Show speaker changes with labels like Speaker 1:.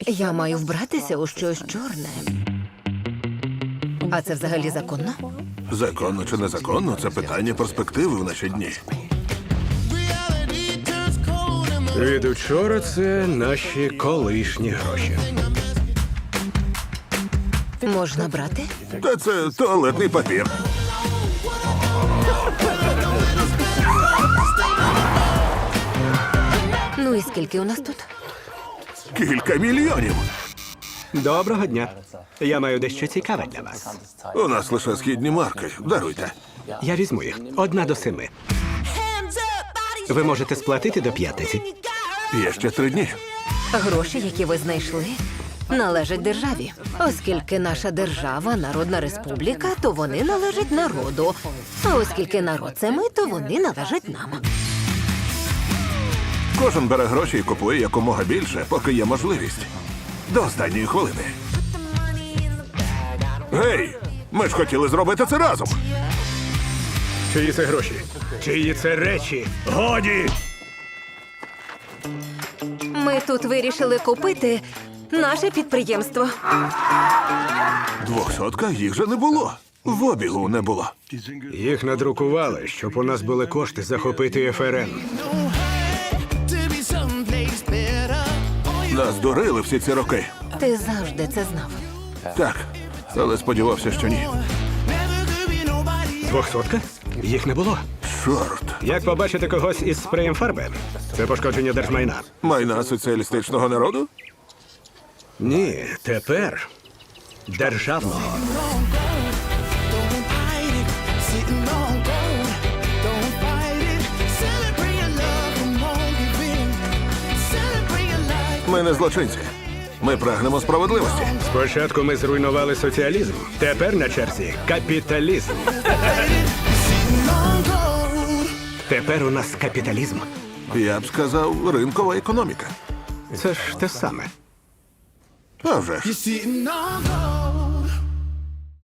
Speaker 1: Я маю вбратися у щось чорне. А це взагалі законно?
Speaker 2: Законно чи незаконно – це питання перспективи в наші дні.
Speaker 3: Від учора це наші колишні гроші.
Speaker 1: Можна брати?
Speaker 2: Та це туалетний папір.
Speaker 1: Ну і скільки у нас тут?
Speaker 2: Кілька мільйонів.
Speaker 3: Доброго дня. Я маю дещо цікаве для вас.
Speaker 2: У нас лише східні марки. Даруйте.
Speaker 3: Я візьму їх. 1 до 7. Ви можете сплатити до 5.
Speaker 2: Є ще 3 дні.
Speaker 1: Гроші, які ви знайшли, належать державі. Оскільки наша держава – народна республіка, то вони належать народу. А оскільки народ – це ми, то вони належать нам.
Speaker 2: Кожен бере гроші і купує якомога більше, поки є можливість. До останньої хвилини. Гей! Ми ж хотіли зробити це разом.
Speaker 3: Чиї це гроші? Чиї це речі? Годі!
Speaker 1: Ми тут вирішили купити наше підприємство.
Speaker 2: 200 їх же не було. В обігу не було.
Speaker 3: Їх надрукували, щоб у нас були кошти захопити ФРН.
Speaker 2: Нас дурили всі ці роки.
Speaker 1: Ти завжди це знав.
Speaker 2: Так, але сподівався, що ні.
Speaker 3: 200? Їх не було.
Speaker 2: Чорт.
Speaker 3: Як побачити когось із спреєм фарби? Це пошкодження держмайна.
Speaker 2: Майна соціалістичного народу?
Speaker 3: Ні, тепер державного.
Speaker 2: Ми не злочинці. Ми прагнемо справедливості.
Speaker 3: Спочатку ми зруйнували соціалізм. Тепер на черзі капіталізм. Тепер у нас капіталізм.
Speaker 2: Я б сказав, ринкова економіка.
Speaker 3: Це ж те саме.
Speaker 2: А вже ж.
Speaker 4: Sitting on gold.